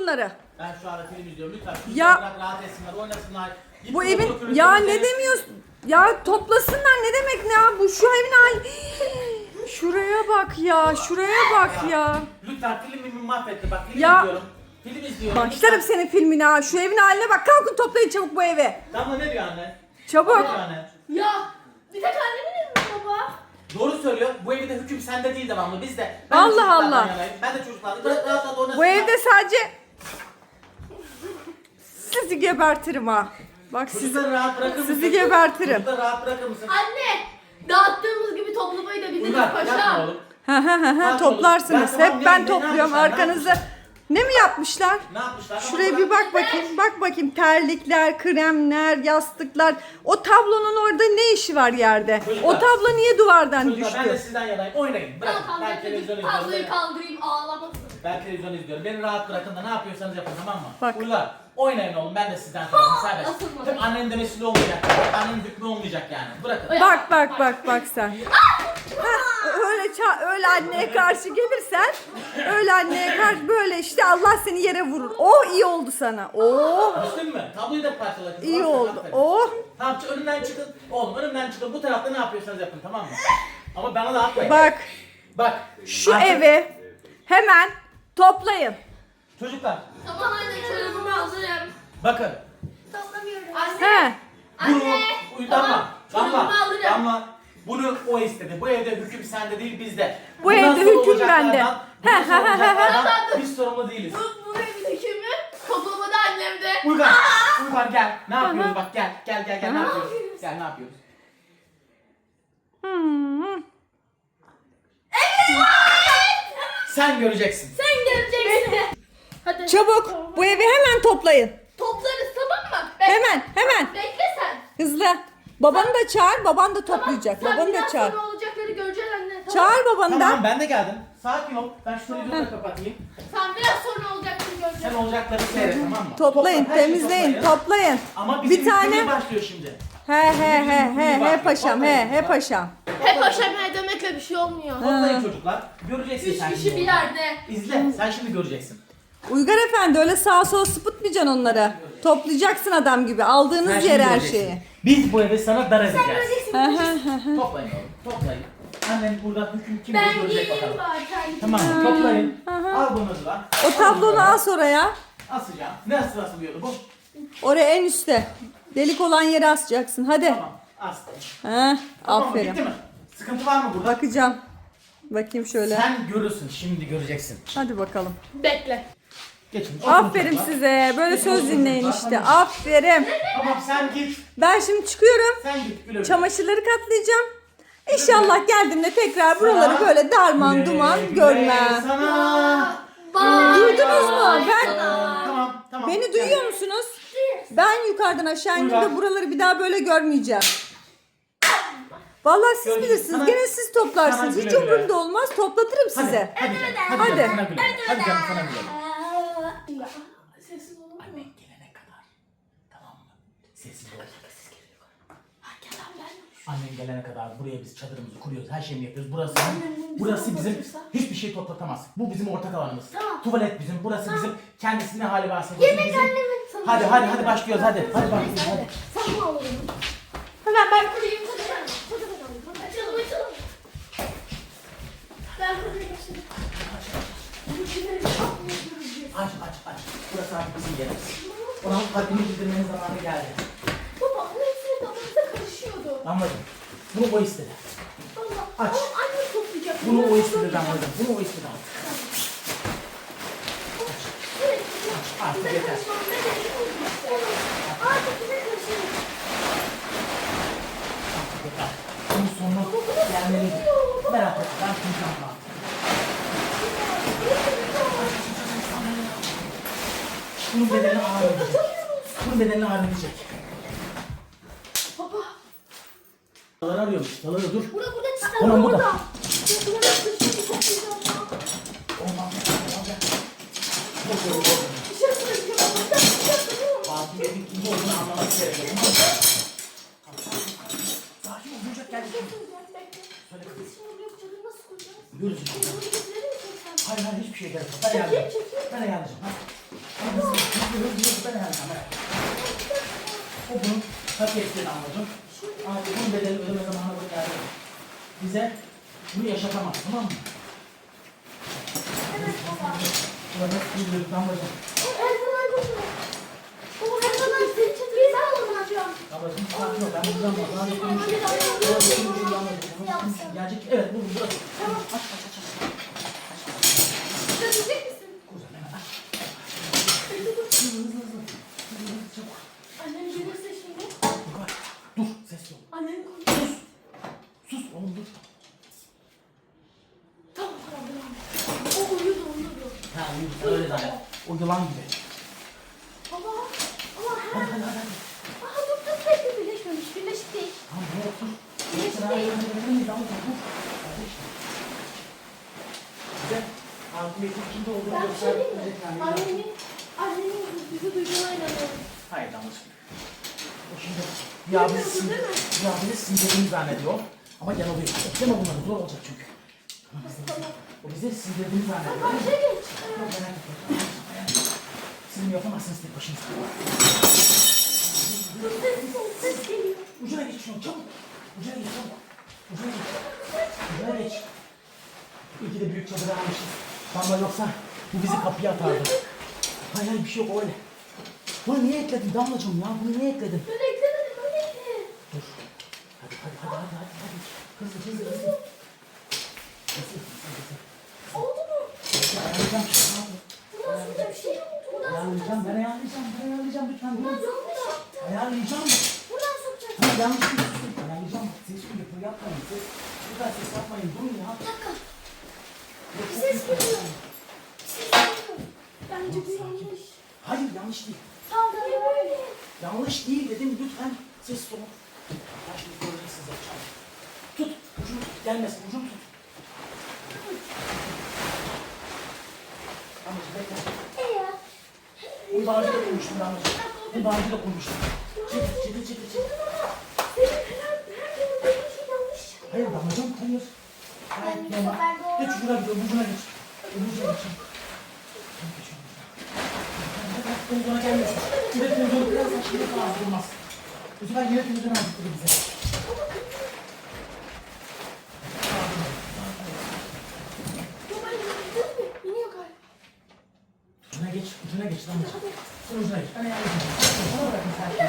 bunları. Ben şu anda film izliyorum. Lütfen Ya. bırak, rahat etsinler, oynasınlar. Git Bu okulu evin kırırsınız, ya evet. ne demiyorsun? Ya toplasınlar ne demek ne ya? Bu şu evin hali. Şuraya bak ya. Şuraya bak ya. Lütfen filmimi mahvetti. Bak film Ya. izliyorum. Film izliyorum. Başlarım Lütfen. senin filmine ha. Şu evin haline bak. Kalkın toplayın çabuk bu evi. Damla ne diyor anne? Çabuk. Ne diyor anne? Ya bir tek annemin mi baba? Doğru söylüyor. Bu evde hüküm sende değil devamlı. Biz de. Ben Allah de çocuklardan Allah. yanayım. Ben de çocuklardan. Rahat rahat oynasınlar. Bu evde sadece sizi gebertirim ha. Bak sizi Çocukları rahat bırakır mısın? sizi gebertirim. Çocukları rahat bırakır mısın? Anne dağıttığımız gibi toplamayı da biliriz Uygar yapma paşa. oğlum. Ha toplarsınız. Ben tamam, Hep ben ne topluyorum yapmışlar, ne arkanızı. yapmışlar? Ne mi yapmışlar? Ne yapmışlar? Şuraya bir bak bakayım. Bak bakayım terlikler, kremler, yastıklar. O tablonun orada ne işi var yerde? Çocuklar. O tablo niye duvardan Çocuklar ben de düştü? sizden yanayım. Oynayın. Bırakın. Ben televizyon izliyorum. Tabloyu kaldırayım ağlamasın. Ben televizyon izliyorum. Beni rahat bırakın da ne yapıyorsanız yapın, tamam mı? Bak. Uygar. Oynayın oğlum, ben de sizden tarafım. Serbest. asılma. Hep annenin demesiyle olmayacak. Annenin hükmü olmayacak yani. Bırakın. Bak sen. Öyle anneye karşı gelirsen, öyle anneye karşı böyle işte Allah seni yere vurur. Oh iyi oldu sana. Oh Düştün mü? Tabloyu da parçala. kızım. iyi Aferin, oldu. aferin. Oh. Tamam, önümden çıkın. Oğlum önümden çıkın. Bu tarafta ne yapıyorsanız yapın, tamam mı? Ama bana da atmayın. Bak Bak. şu artık- evi hemen toplayın. Çocuklar. Tamam anne çorabımı hazırım. Bakın. Toplamıyorum. He. Anne. Bunu Anne. Damla. Çorabımı alırım. Damla. Bunu o istedi. Bu evde hüküm sende değil, bizde. Bu Bundan evde sonra hüküm olacaklardan- bende. bundan He, sonra he, he, he, he. olacaklardan Biz sorumlu değiliz. Bu evin hükümü toplamada annemde. Uygar. Uygar gel. Ne yapıyoruz bak, gel. Gel ne yapıyoruz? Gel, ne yapıyoruz? Hmm. Sen göreceksin. Sen geleceksin. Hadi. Çabuk bu evi hemen toplayın. Toplarız tamam mı? Hemen. Bekle sen. Hızlı. Babanı da çağır, baban da toplayacak. Sen Babanı da biraz çağır. sonra olacakları göreceksin anne. Tamam. Çağır babanı Tamam, da. ben de geldim. Sakin ol. Ben şu televizyonu da kapatayım. Sen biraz sonra olacakları Sen göreceksin. olacakları seyret, tamam mı? Toplayın, Topla, her şeyi temizleyin, toplayın. toplayın. Ama bizim Bir tane. hükmümüz başlıyor şimdi. He paşam, he paşam. Hep aşamaya demekle bir şey olmuyor. Toplayın çocuklar. Göreceksin Üç sen kişi şimdi bir onu. yerde. İzle. Sen şimdi göreceksin. Uygar efendi öyle sağa sola sıpıtmayacaksın onları. Toplayacaksın adam gibi. Sen Aldığınız şimdi yer her göreceksin. şeyi. Biz bu evi sana dar edeceğiz. Hı hı. Toplayın oğlum. Toplayın. Annen burada hüküm kim Ben görecek giyeyim bakalım. bari terlikimi. Tamam mı? Toplayın. Al bunu da. O tablonu as oraya. Asacağım. Nasıl asılıyordu bu? Oraya en üstte. Delik olan yere asacaksın. Hadi. Tamam. Astım. He, Tamam mı? aferin. Bitti mi? Sıkıntı var mı burada? Bakacağım. Bakayım şöyle. Sen görürsün. Şimdi göreceksin. Hadi bakalım. Bekle. Geçin. Aferin Oturun size. Böyle Geçin, söz oturun dinleyin çocuklar. işte. Aferin. Tamam, sen git. Ben şimdi çıkıyorum. Sen git. Güle güle. Çamaşırları katlayacağım. İnşallah geldiğimde tekrar buraları Sana böyle darman güle duman güle görmem. Sana. Bye. Duydunuz mu? Ben Tamam. beni duyuyor musunuz? Ben yukarıdan aşağı indiğimde Uygar. buraları bir daha böyle görmeyeceğim. Vallahi siz Görüşürüz. bilirsiniz. Sana- Gene siz toplarsınız. sana Hiç güle güle. umurumda olmaz. Toplatırım size. Hadi canım. Hadi. Hadi canım, sana güle güle. Hadi canım, sana güle güle. Sessiz olun mu? Annen gelene kadar. Tamam mı? Sessiz ol. Annen gelene kadar buraya biz çadırımızı kuruyoruz, her şeyini yapıyoruz. Burası bizim hiçbir şey toplatamaz. Bu bizim ortak alanımız. Tamam. Tuvalet bizim, burası bizim kendisi ne hali varsa. Yemek bizim. annemin sana. Hadi başlıyoruz hadi. Hadi başlıyoruz hadi. Sen mi alalım? Hemen ben kurayım. Açalım. Ben kurayım şimdi. Aç. Burası artık bizim yerimiz. Ona haddini bildirmenin zamanı geldi. Baba hepsini babamıza karışıyordu. Anladım. Bunu o istedi. Allah. Aç. Ama anne toplayacak. Bunu o Ben istedi toplayacağım. anladım. Bunu o istedi. Artık yeter. Artık bize karışıyor. Artık yeter. Bunun sonu gelmeliydi. Merak etme, ben konuşacağım artık. Bunun bedelini ağır ödeyecek. Bunun bedelini ağır ödeyecek. Baba. Daları arıyormuş. Daları dur. Burada çıktı. Tamam, burada. Burada toplayacağım ya. Olmaz. Dışarı bırakıyorum. Fatih Bey'in kim olduğunu anlaması gerekiyor. Sakin ol. Duyacak geldi. Söyle kızım. Görürüz. Hayır hiçbir şey gerek yok. Ben ayarlayacağım. Ben ayarlayacağım. O bunun hak ettiğini anladım. Artık bunun bedeli ödeme zamanı bu geldi. Bize bunu yaşatamaz, tamam mı? Evet baba. Burada gidiyoruz damlacığım. Her zaman koşuyor. Baba her zaman seni çatırıyla alacağım. Damlacığım sakin ol, ben buradan bak. Daha ne gelecek? Evet, bu burası. Tamam. Aç. Götürecek misin? Kuzen hemen aç. Hızlı. Çabuk. Annem gelirse şimdi. Dur, ses yok. Annem konuşuyor. Sus oğlum dur. Tamam. O uyudu. Ha öyle zaten. O yılan gibi. Baba. Ama Hadi. Aha dur bekle birleşmemiş. Birleşik değil. Tamam buraya otur. Birleşik Sen değil. ayağını damlacığım dur. Bize hakimiyetin kimde olduğunu Ben bir şey diyeyim mi? göstermek Annemin bizi duyduğuna inanıyorum. Hayır damlacığım. O şimdi Bilmiyorsun değil mi? bizi sindirdiğini zannediyor. Ama yanılıyor. Ekleme bunları zor olacak çünkü. Tamam. O bizi sindirdiğini zannediyor. Karşıya geç. Yok merak etme. Sizin yapamazsınız tek başınıza. Dur ses geliyor. Ucuna geç şunu çabuk. Ucuna geç. İyi ki de büyük çadır almışız. Damla yoksa bu bizi kapıya atardı. Hayır bir şey yok öyle. Bunu niye ekledin Damlacığım ya? Bunu niye ekledin? Ben eklemedim öyleydi. Dur. Hadi. Hızlı. Hızlı. Oldu mu? Ayarlayacağım. Bundan sonra bir şey mi oldu? Buradan Ayarlayacağım. sokacaksın. Ben ayarlayacağım lütfen. Buradan sokacaksın. Ayarlayacağım. Buradan sokacaksın. Tamam yanlış bir şey. Ayarlayacağım. Ses yapın yapmayın. Lütfen ses yapmayın. Durun ya. Bir dakika. Bir ses geliyor. Bir ses geliyor. Bence bu yanlış. Hayır yanlış değil. Saldırı böyle. Yanlış değil dedim lütfen sessiz olun. Ben şimdi göreceksiniz yapacağım. Tut. Ucunu tut. Gelmesin. Ucunu tut. Damlacığım bekle. Ya. Bunu daha önce de koymuştum Damlacığım. Bunu daha önce de koymuştum. Çekil. Senin her gün dediğin şey yanlış çıkıyor. Hayır Damlacığım hayır. Hayır Ben bu normal. sefer doğru. Geç ucuna gidiyorum. Ucuna geç. Ucuna gelmesin. Bir de televizyonu kırarsan şimdi falan olmaz. Bu sefer yine televizyonu aldık bize. Baba yürüdün mü? İniyor galiba. Ucuna geç Damlacığım. Sen ucuna geç. Ben ayarlayacağım. Bana bırakın her şeyi.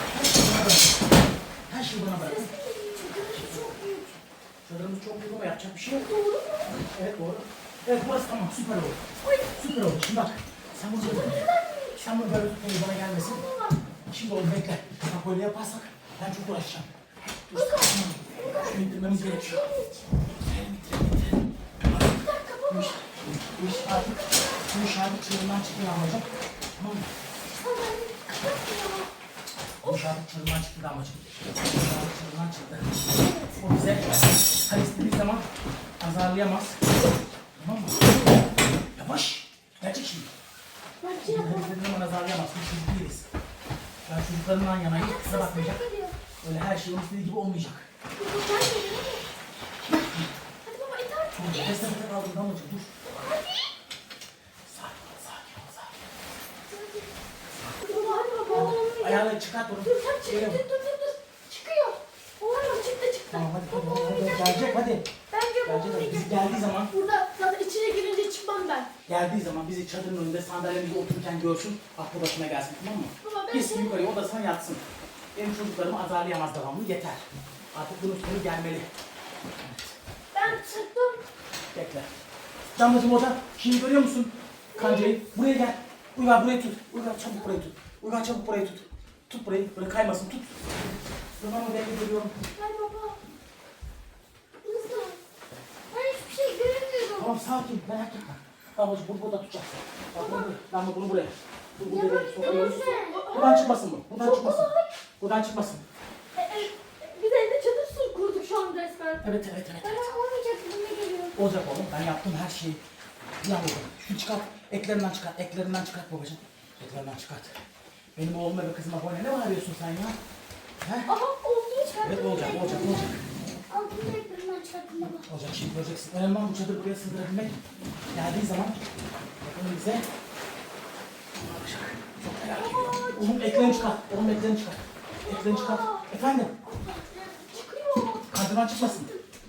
Her şeyi bana bırakın. Çadırımız çok büyük. Çadırımız çok büyük ama yapacak bir şey yok. Doğru mu? Evet doğru. Evet burası tamam süper oldu. Süper oldu. Şimdi bak. Sen bunu böyle tut. Sen bunu böyle tut. Bana gelmesin. Şimdi oğlum bekle. Bak böyle yaparsak ben çok uğraşacağım. Dur. Şunu indirmemiz gerekiyor. İndirelim. Bu iş artık çığırından çıktı damlacığım. Tamam mı? Bu iş artık çığırından çıktı damlacığım. Çığırından çıktı. O bize her istediği zaman azarlayamaz. Tamam mı? Yavaş. Gerçek şimdi. Ben bir şey Her yapamam. istediği zaman azarlayamaz. Biz çocuk değiliz. Ben çocuklarımdan yanayım. Kusura bakmayacak. Öyle her şey onun istediği gibi olmayacak. Hadi baba iter. Nefesine kaldın damlacığım dur. Sakin ol. Baba hadi baba olmuyor. Ayağını çıkart onu. Dur sen çık Öyle mi? dur. Çıkıyor. Olmuyor çıktı. Tamam hadi. Olmayacak. Gelecek hadi. Bence bu Gelecek hadi. Biz geldiği zaman Burada zaten içine girince çıkmam ben. bizi çadırın önünde sandalyemizde otururken görsün. Aklı başına gelsin tamam mı? Baba ben Gitsin yukarıya odasına yatsın. Benim çocuklarımı azarlayamaz devamlı yeter. Artık bunun sonu gelmeli. Ben çıktım. Bekle. Damlacığım orada. Şimdi görüyor musun? Kancayı. Buraya gel. Uygar burayı tut. Uygar çabuk burayı tut. Uygar çabuk burayı tut. Tut burayı. Böyle kaymasın tut. Ben onu bekle görüyorum. Hay baba. Hızlı. Ben hiçbir şey göremiyorum. Tamam sakin merak etme. Damlacığım bunu burada tutacaksın. Bak bunu buraya. Damla bunu buraya. Bunu buraya sokamıyoruz. Buradan çıkmasın bu. Buradan çıkmasın. Buradan çıkmasın. Biz evde çadır kurduk şu an resmen. Evet. Ben olmayacak gibime geliyor. Olacak oğlum. Ben yaptım her şeyi. Yaptım. Şunu çıkart. Eklerinden çıkart. Eklerinden çıkart babacığım. Eklerinden çıkart. Benim oğluma ve kızıma boyuna ne bağırıyorsun sen ya? He? Aha olduğunu çıkarttım. Evet olacak. Altını ekranından çıkarttım baba. Olacak şimdi göreceksin. Önemli olan bu çadırı buraya sığdırabilmek. Geldiği zaman bakın bize yapacak? Çok merak ediyorum. Oğlum eklerini çıkar. Oğlum eklerini çıkar. Eklerini çıkar. Efendim? Çıkıyor. Kadran çıkmasın.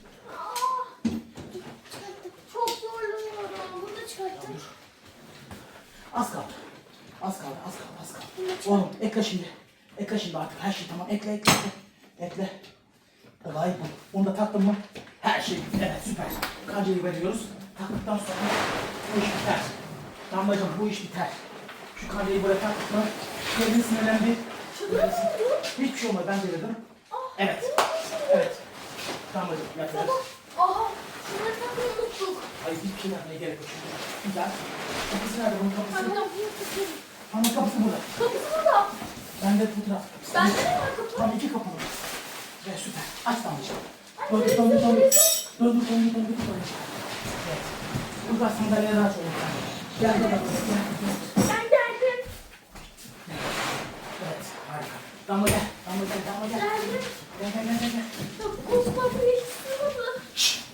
Çok zorlanıyorum. Bunu da çıkarttım. Az kaldı. Az kaldı, az kaldı, az kaldı. Oğlum ekle şimdi. Ekle şimdi artık her şey tamam. Ekle, ekle, ekle. Ekle. Olay bu. Onu da taktın mı? Her şey evet süper. Kancayı veriyoruz. Taktıktan sonra bu iş biter. Damlacığım bu iş biter. Şu kancayı böyle taktık mı? Kendini sinirlendi. Hiçbir şey olmadı ben devirdim. Evet. Evet. Damlacığım yapıyoruz. Aha. Şunları takmayı unuttuk. Hayır hiçbir şey yapmaya gerek yok şimdi. Güzel. Kapısı nerede bunun kapısı? Ben kapıyı tutuyorum. Ama kapısı burada. Kapısı burada. Bende fotoğraf. Bende de var kapı. Tam 2 kapı var. Ve süper. Aç damlacığım. Döndür. Evet. Burada sandalyeler aç oğlum. Gel gel gel. Ben geldim. Evet harika. Damla gel. Damla gel. Damla gel. Geldim. Gel. Ya koz kapıyı hiç sığmadı.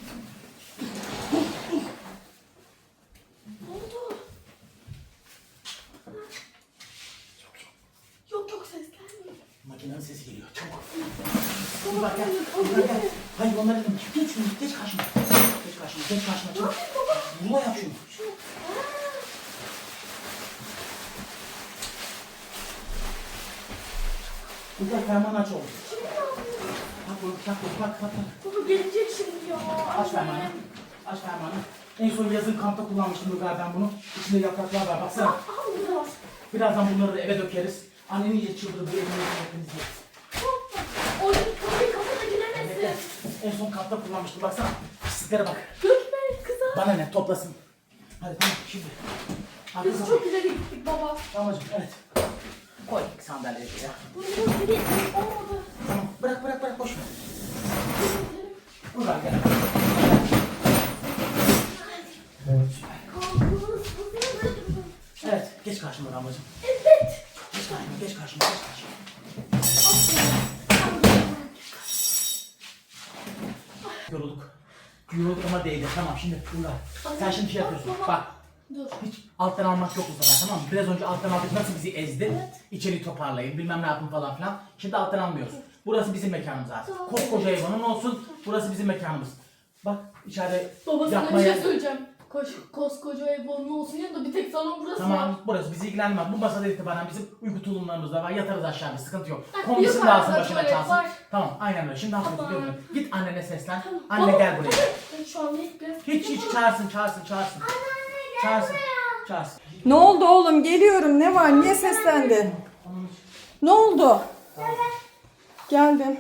Ne oldu? Yok ses gelmiyor. Makinenin sesi geliyor. Çabuk. Dur bak gel. Dur gel. Hayır onları dedim. Geç şunu. Geç karşıma. Geç karşıma. Çabuk. Vurma yap şunu. Burada ferman aç oğlum. Bak. Baba gelecek şimdi ya. Aç fermanı. Aç fermanı. En son yazın kampta kullanmıştım Rugar ben bunu. İçinde yapraklar var baksana. Aha burada var. Birazdan bunları da eve dökeriz. Annen iyice çıldırdı bu evini hepimiz yeriz. O kapıyı kafana giremesin. Evet. En son kampta kullanmıştım baksana. Pisliklere bak. Dökme kıza. Bana ne toplasın. Hadi tamam şimdi. Biz çok ileri gittik baba. Tamamcığım evet. Koy sandalyeyi ya. Bunu ileri olmadı. Tamam bırak boş ver. Rugar gel. Kalkınız kızına böyle durun. Evet geç karşıma damlacığım. Evet. Geç karşıma. Yorulduk ama değdi. Tamam şimdi Rugar. Sen şimdi şey yapıyorsun. Bak. Dur. Hiç alttan almak yok bu sefer tamam mı? Biraz önce alttan aldık nasıl bizi ezdi? Evet. İçeri toparlayın bilmem ne yapın falan filan. Şimdi alttan almıyoruz. Burası bizim mekanımız artık. Tamam. Koskoca evanın olsun. Burası bizim mekanımız. Bak içeride Baba sana bir yapmaya... şey söyleyeceğim. Koskoca ev onun olsun ya da bir tek salon burası var. Tamam burası bizi ilgilenmez. Bu masada itibaren bizim uyku tulumlarımız da var. Yatarız aşağıda sıkıntı yok. Ha, Komisin yukarıda lazım başına tuvalet çalsın. var. Tamam aynen öyle. Şimdi hafif Tamam. gidiyorum. Git annene seslen. Tamam. Anne Baba, gel buraya. Ben şu an bekle. Hiç çağırsın. Çağırsın. Ne oldu oğlum? Geliyorum. Ne var? Niye seslendin? Ne oldu? Geldim.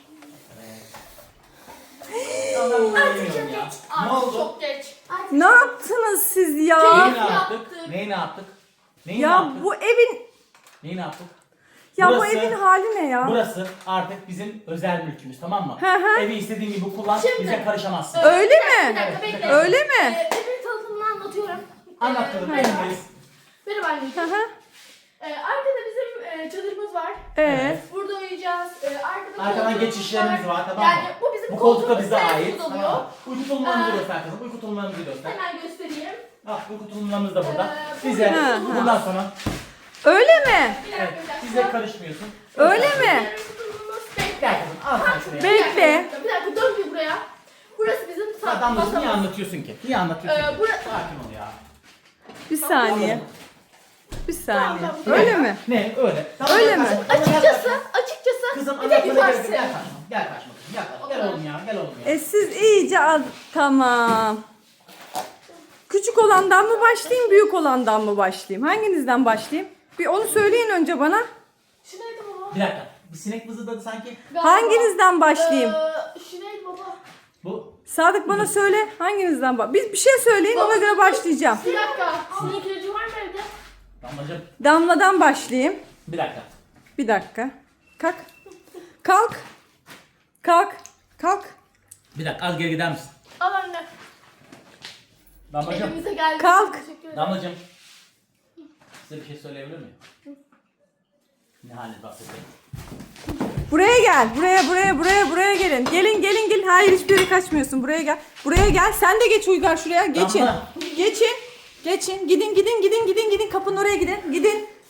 Artık çok geç. Ne oldu? Çok geç. Artık Ne yaptınız siz ya? Neyi yaptık. Neyi ne yaptık? Neyi ne Ya yaptık? bu evin Neyi ne yaptık? ya bu Burası- evin hali ne ya? Burası artık bizim özel mülkümüz tamam mı? Hı hı. Evi istediğin gibi kullan, Şimdi- bize karışamazsın. Öyle Bir mi? dakika bekle. Öyle mi? Evin tanıtımını anlatıyorum. Anlat kızım, Merhaba. evindeyiz. Merhaba Hı anneciğim. hı. Arkada bizim çadırımız var. Evet. Burada uyuyacağız. Arkada Arkadan koltuğumuz geçişlerimiz var tamam mı? Yani bu bizim Bu koltuk da koltuğumuz, bize sen ait. kullanıyor. Tamam. Uyku tulumlarımızı Ee, göster kızım, uyku tulumlarımızı göster. Hemen göstereyim. Bak uyku tulumlarımız da burada. Ee, Bize Hı hı. bundan sonra Öyle mi? Bir evet, dakika. bize karışmıyorsun. Öyle mi? Bekle. Gel kızım, al sen şuraya. Bekle. Bir dakika dön bir buraya. Burası bizim Adamları niye masamız. anlatıyorsun ki? Niye anlatıyorsun ki? Burası... Sakin ol ya. Bir saniye. Bir saniye. Tamam. Öyle mi? Ne öyle? Tamam, Öyle gel mi? karşıma, tamam, gel Açıkçası, karşıma. Kızım bir tek anlatmana gerek yukarısı. yok. Gel karşıma. Gel karşıma kızım. Gel oğlum ya. Gel oğlum ya. Siz iyice tamam. Küçük olandan mı başlayayım, büyük olandan mı başlayayım? Hanginizden başlayayım? Bir onu söyleyin önce bana. Şu neydi baba? Bir dakika. Bir sinek vızıldadı sanki. Galiba. Hanginizden başlayayım? Şu neydi baba? Bu Sadık bana söyle. Hanginizden Bir şey söyleyin ona göre başlayacağım. Bir dakika. Sinek ilacı var mı evde? damlacığım. Damladan başlayayım. Bir dakika. Bir dakika. Kalk. Kalk. Kalk. Kalk. Bir dakika az geri gider misin? Al anne. Damlacığım. Elimize geldi. Kalk. Teşekkür ederim. Damlacığım. Size bir şey söyleyebilir miyim? Ne haliniz bahsedeyim? Buraya gel. Buraya gelin. Gelin. Hayır hiçbir yere kaçmıyorsun. Buraya gel. Buraya gel. Sen de geç Uygar şuraya. Geçin. Damla. Geçin. Gidin. Kapının oraya gidin. Gidin.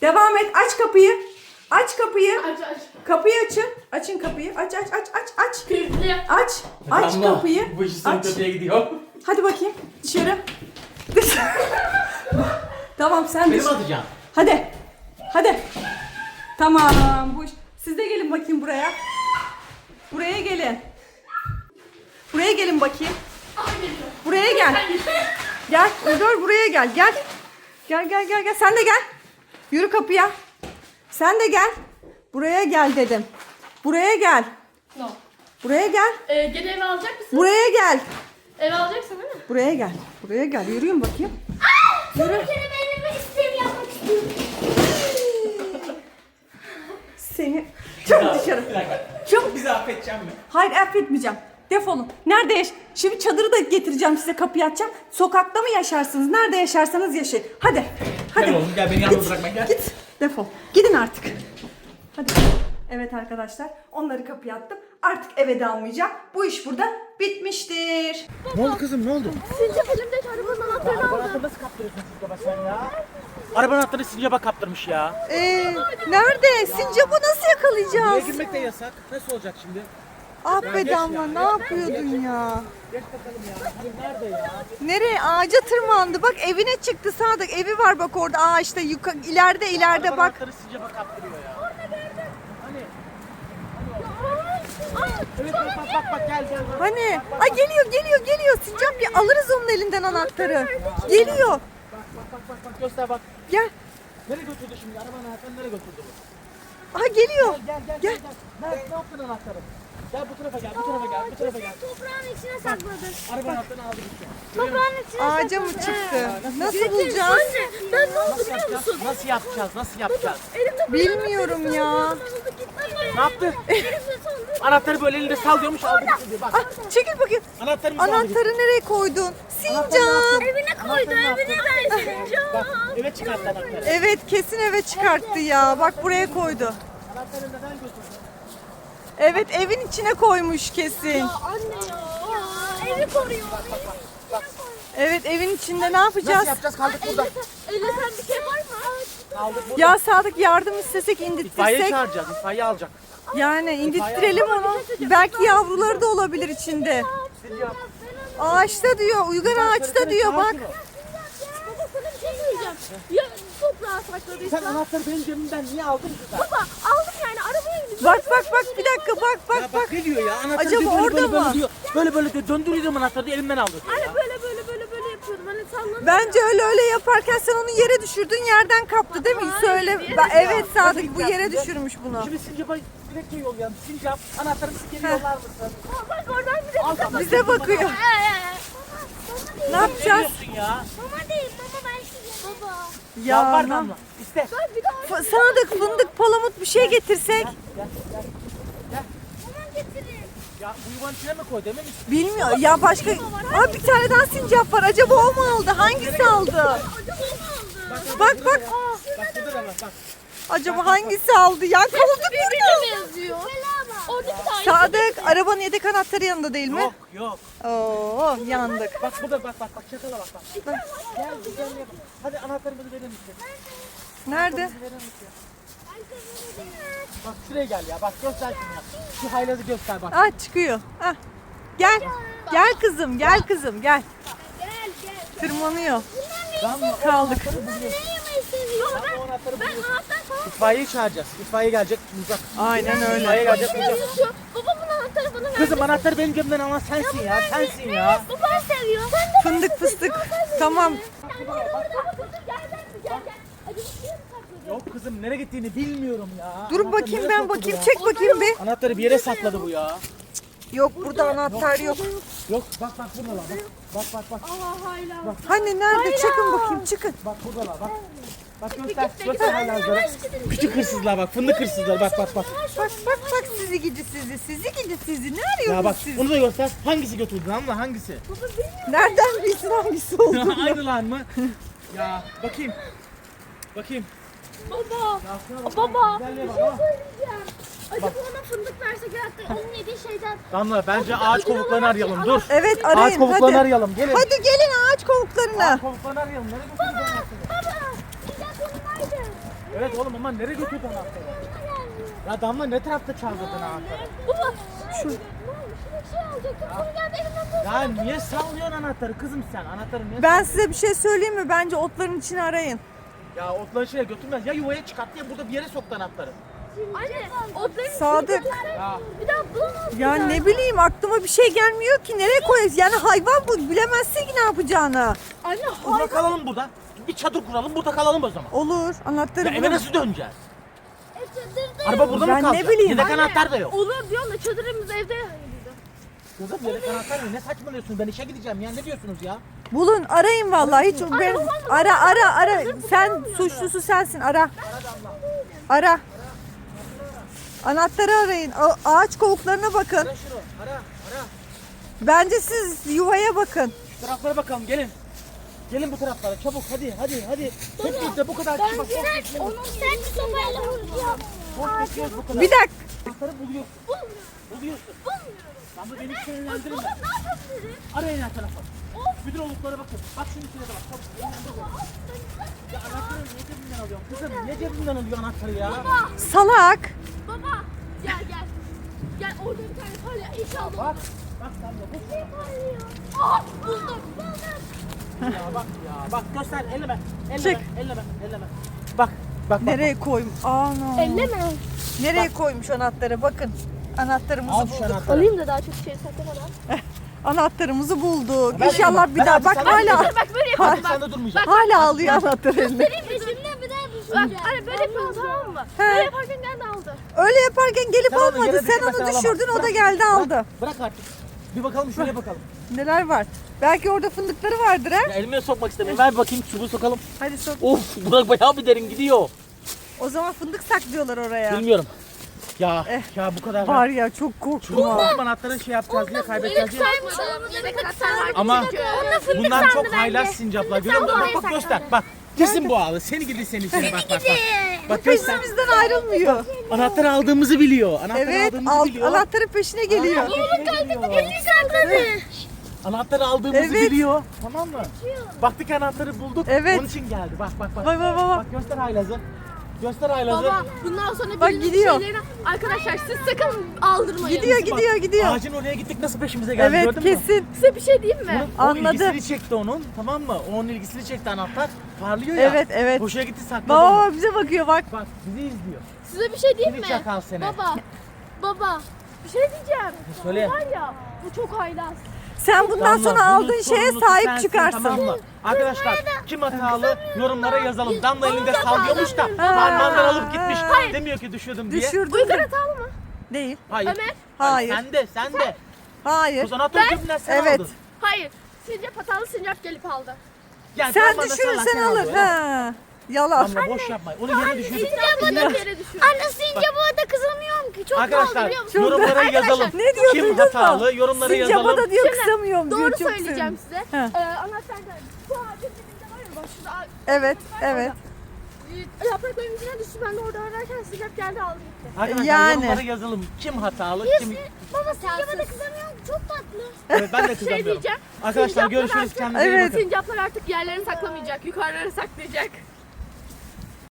Devam et. Aç kapıyı. Aç kapıyı. Aç. Kapıyı açın. Açın kapıyı. Aç. Kilitli. Aç. Aç Damla, kapıyı. Bu iş son Aç. kötüye gidiyor. Hadi bakayım. Dışarı. Tamam sen Benim dışarı. atacağım. Hadi. Tamam. Bu iş. Siz de gelin bakayım buraya. Buraya gelin. Buraya gelin bakayım. Buraya gel. Gel. Dur buraya gel. Gel. Gel. Sen de gel. Yürü kapıya. Sen de gel. Buraya gel dedim. Buraya gel. No. Buraya gel. Gene eve alacak mısın? Buraya gel. Eve alacaksın değil mi? Buraya gel. Buraya gel. Yürüyün bakayım. Bir kere benim isteğimi yapmak istiyorum. Seni çok dışarı. Bir dakika. Çok. Bizi affedeceğim mi? Hayır affetmeyeceğim. Defolun. Nerede Şimdi çadırı da getireceğim size, kapıyı açacağım. Sokakta mı yaşarsınız? Nerede yaşarsanız yaşayın. Hadi. Gel oğlum gel beni yalnız bırakma gel. Git. Defol. Gidin artık. Hadi. Evet arkadaşlar. Onları kapıya attım. Artık eve de almayacağım. Bu iş burada bitmiştir. Ne oldu kızım ne oldu? Sincap elimdeki arabanın anahtarını aldı. Anahtarı nasıl kaptırıyorsun baba sen ya? Arabanın anahtarını sincaba kaptırmış ya. Nerede? Sincap'ı nasıl Buraya yakalayacağız? girmek de yasak. Nasıl olacak şimdi? Ah be geç Damla, ya, ne geç. yapıyordun ya? Geç bakalım ya. Hani nerede ya? Nereye? Ağaca tırmandı. Bak evine çıktı Sadık. Evi var bak orada. Ağaçta ileride Arabanın bak. anahtarı sincaba kaptırıyor ya. Hani? Evet bak gel. Hani? Ay geliyor. Sincap bir alırız onun elinden anahtarı. Geliyor. Bak göster bak. Gel. Nereye götürdü şimdi? Arabanın anahtarını nereye götürdü bu? Aha geliyor. Gel. Ne yaptın anahtarı? Gel bu tarafa gel. Toprağın içine sakladı. Arabanın anahtarını aldı gitti. Toprağın içine Ağaca mı çıktı? Nasıl bulacağız? Anne ben ne oldu biliyor musun? Nasıl yapacağız? Elimde Bilmiyorum ya. Ne yaptı? Anahtarı böyle elinde sallıyormuş aldı gitti. Bak. Ah, çekil bakayım. Anahtarımızı aldı gitti. Anahtarı nereye koydun? Sincap. Evine koydu evine versin. Bak eve çıkarttı anahtarı. Evet kesin eve çıkarttı ya. Bak buraya koydu. Anahtarı neden götürdü? Evet evin içine koymuş kesin. Anne ya. Evi koruyor. Evet evin içinde ne yapacağız? Nasıl yapacağız? Kaldık burada. Elinde sen bir şey var mı? Kaldık burada. Ya Sadık yardım istesek İtfaiye indirtirsek. çağıracağız. İtfaiye alacak. Yani indirttirelim onu. Belki yavruları da olabilir içinde. Sincap. Ağaçta diyor. Uygar ağaçta diyor bak. Baba sana bir şey söyleyeceğim. Ya toprağa sakladıysa. Sen anahtarı benim cebimden niye aldın ki sen? Baba aldım yani arabaya bindim. Bak bir dakika Ya bak. bak ne diyor ya? Anahtarı Acaba diyor, orada böyle mı? diyor. Böyle diyor. Döndürüyordum anahtarı diyor, elimden aldı. Hani böyle yapıyordum. Hani salladım. Bence öyle yaparken sen onu yere düşürdün, yerden kaptı değil mi? Söyle. Evet Sadık bu yere düşürmüş bunu. Şimdi Sincap'a dilekçe yollayalım. Sincap anahtarımızı geri yollar mısın? Bak oradan bir de Al kapıyı. Bize bakıyor. Ne Ne yapacağız? diyorsun ya? Mama değil mama ben size. Baba. Ya Var ne- Damla. İste. Bir daha Sadık fındık palamut bir şey getirsek. Gel. mama getirin. Ya bu yuvanın içine mi koy dememiş. Bilmiyor. Ya başka. Aa bir tane daha sincap var. Acaba o mu aldı? Hangisi aldı? Acaba mı aldı? Bak. Bak burada da bak. Acaba hangisi aldı? Ya kaldı burada. Birbirine benziyor. Orada bir tane. Sadık arabanın yedek anahtarı yanında değil mi? Yok. Oo yandık. Bak burada bak. Çakala bak. Gel güzel yap. Hadi anahtarımızı verir misin? Nerede? Verir misin? Bak şuraya gel ya. Bak göster şunu ya. Şu haylazı göster bak. Ah çıkıyor. Ah. Gel. Gel kızım. Gel. Gel. Tırmanıyor. Damla. Kaldık. Ne yemeyi seviyor? O anahtarı Ben buluyorsun. anahtar falan. İtfaiyeyi çağıracağız. İtfaiye gelecek bulacak. Aynen öyle. İtfaiye gelecek bulacak. Seviyor. Babamın anahtarı bana verdi. Kızım anahtarı benim cebimden alan sensin ya. Sensin ya. Baban seviyor. Sen de Fındık fıstık. Tamam. Gel. Acaba bir yere mi sakladın? Yok kızım nereye gittiğini bilmiyorum ya. Dur Anahtarı bakayım nereye ben soktu bu bakayım. ya? Çek bakayım bir. Anahtarı bir yere sakladı bu ya. Yok burada anahtar yok. Yok bak burada lan bak. Aa hayla. Hani nerede? Çıkın bakayım çıkın. Bak burada lan bak. Bak göster haylazları. Küçük hırsızlar bak fındık hırsızlar bak. Bak sizi gidi sizi. Ne Ya bak arıyorsunuz siz? onu da göster. Hangisi götürdün ama hangisi? Nereden bilsin hangisi oldu? Aynı lan mı? Ya bakayım. Baba. Ya, Baba. güzelliğe Bir bak, şey ha. söyleyeceğim. Acaba ona fındık versek hatta onun yediği şeyden. Damla bence ağaç kovuklarını arayalım dur. Evet Ağaç arayın kovuklarını hadi. arayalım gelin. Hadi gelin ağaç kovuklarına. Ağaç kovuklarını arayalım. Nereye götürdün anahtarı? Baba. Sıcak yanındaydı. Evet oğlum ama nereye götürdün anahtarı? Ya Damla ne tarafta çaldırdın anahtarı? Baba. Şu şey alacaktım. Sonra geldi elimden bu. Ya niye sallıyorsun anahtarı kızım sen? Anahtarı niye Ben size bir şey söyleyeyim mi? Bence otların içine arayın. Ya otları şeye götürmez. Ya yuvaya çıkarttı ya burada bir yere soktu anahtarı. Anne. Otların Sadık. Ya Bir daha bulamazsın. Ya ne bileyim aklıma bir şey gelmiyor ki. Nereye koyacağız? Yani hayvan bu. Bilemezsin ki ne yapacağını. Anne burada kalalım burada. Bir çadır kuralım burada kalalım o zaman. Olur. Anahtarı Ya eve bulalım. nasıl döneceğiz? çadırda. Araba burada Ben mı ne kalacak? bileyim. Yedek Anne, anahtar da yok. Olur diyorsun da çadırımız evde. Kızım yedek anahtar mı? Ne saçmalıyorsun? Ben işe gideceğim ya. Ne diyorsunuz ya? Bulun. Arayın vallahi. Hiç ben ara. Sen suçlusu sensin. Ara. Ara. Anahtarı arayın. Ağaç kovuklarına bakın. Ara şunu. Ara. Bence siz yuvaya bakın. Şu taraflara bakalım gelin. Gelin bu taraflara çabuk hadi. Hep birlikte bu kadar kişi bak. Onu sen bir sopayla vuracağım. Çok bekliyoruz bu kadar. Bir dakika. Anahtarı buluyorsun. Buluyorsun. Ama beni sinirlendirme. Baba ne yapabilirim? Arayın her tarafa. Bütün oluklara bakın. Bak şunun içine de bak. Çabuk. Ya anahtarı niye cebinden alıyorsun? Kızım niye cebinden alıyorsun anahtarı ya? Salak. Baba gel. Gel orada bir tane palya inşallah. Bak. Bak sen de bu. Aa buldum. Bak göster elleme. Çek. Elleme. Bak. Nereye koymuş? Ana. Elleme. Nereye koymuş anahtarı? Bakın. Anahtarımızı Al şu bulduk. anahtarı. Alayım da daha çok şey saklamadan. Anahtarımızı bulduk. Ben İnşallah ben bir daha. artık Bak sana hala gideceğim. Bak böyle Hadi yapalım sen bak. de durmayacaksın. hala alıyor anahtarı eline. Peşimden bir daha düşeceğim. Bak hani böyle yapalım tamam mı? He. Böyle yaparken geldi aldı. Öyle yaparken gelip Sen onu almadı. yere Sen düşürmesen onu alamaz. düşürdün o da Bırak, geldi aldı. Bırak artık. Bir bakalım şuraya bakalım. Neler var? Belki orada fındıkları vardır ha. Ya elime sokmak istemiyorum. Ver bakayım çubuğu sokalım. Hadi sok. Of Burak bayağı bir derin gidiyor. O zaman fındık saklıyorlar oraya. Bilmiyorum. Ya bu kadar. Var ya çok korktum ha. Bu anahtarı şey yapacağız diye kaybedeceğiz diye. Saymış olabilir. Ne kadar var. Ama Onunla fındık bundan sandı çok bence. haylaz sincaplar. Görüyor musun? Bak göster. Bak. Kesin bu ağlı. Seni gidi seni. Bak. Bak göster. Peşimizden ayrılmıyor. Anahtarı aldığımızı biliyor. Anahtarı Evet, aldığımızı biliyor. anahtarın peşine geliyor. Elini sakladı. Anahtarı aldığımızı Evet. biliyor. Tamam mı? Baktık anahtarı bulduk. Evet. Onun için geldi. Bak. Bak. Bak göster haylazı. Göster haylazı. Baba bundan sonra Bak, birinin gidiyor. şeylerini... Arkadaşlar siz sakın aldırmayın. Gidiyor. Ağacın oraya gittik nasıl peşimize geldi Evet gördün mü? kesin. Size bir şey diyeyim mi? O Anladı. ilgisini çekti onun. Tamam mı? Onun ilgisini çekti anahtar. Parlıyor ya. Evet. Hoşuna gitti sakladı onu. Baba bize bakıyor bak. Bak bizi izliyor. Size bir şey diyeyim Seni mi? çakal seni. Baba. Bir şey diyeceğim. Söyle. Var ya bu çok haylaz. Sen bundan Damla, sonra bunun aldığın şeye sorumlusu sahip sensin, çıkarsın. Tamam mı? Arkadaşlar kim hatalı yorumlara yazalım. Damla elinde sallıyormuş da Ha. parmağından alıp gitmiş. Hayır. Demiyor ki düşürdüm diye. Düşürdün Uygar de. hatalı mı? Değil. Hayır. Ömer. Hayır. Sen de. Hayır. O zaman anahtarı cebinden sen Evet. aldın. Hayır. Sincap hatalı sincap gelip aldı. Yani Sen parmağında düşürürsen sallarken alır. alıyor, ha? Ha. Yalan. Damla boş yapma. Onu yere düşürdük. Sincap'a da yere düşüyor. Anne sincap'a da kızamıyorum ki. Çok Arkadaşlar biliyor musun? yorumlara yazalım. Ne diyor Kim duydun mu? hatalı yorumlara Sincap'a yazalım. da diyor Şimdi kısamıyorum diyor. Doğru Çok söyleyeceğim sevindim. size. He. Anahtarlar bu ağacın dibinde var ya bak şurada Evet. yaprakların içine düştü. Ben de orada ararken sincap geldi aldı gitti. Arkadaşlar Yani. yorumlara yazalım. Kim hatalı kim... Baba sincap'a da kızamıyorum ki. Çok tatlı. Evet ben de Şey kızamıyorum. diyeceğim. Arkadaşlar sincaplar görüşürüz. artık- Kendinize iyi Evet. bakın. Sincaplar artık yerlerini saklamayacak. Yukarıları saklayacak.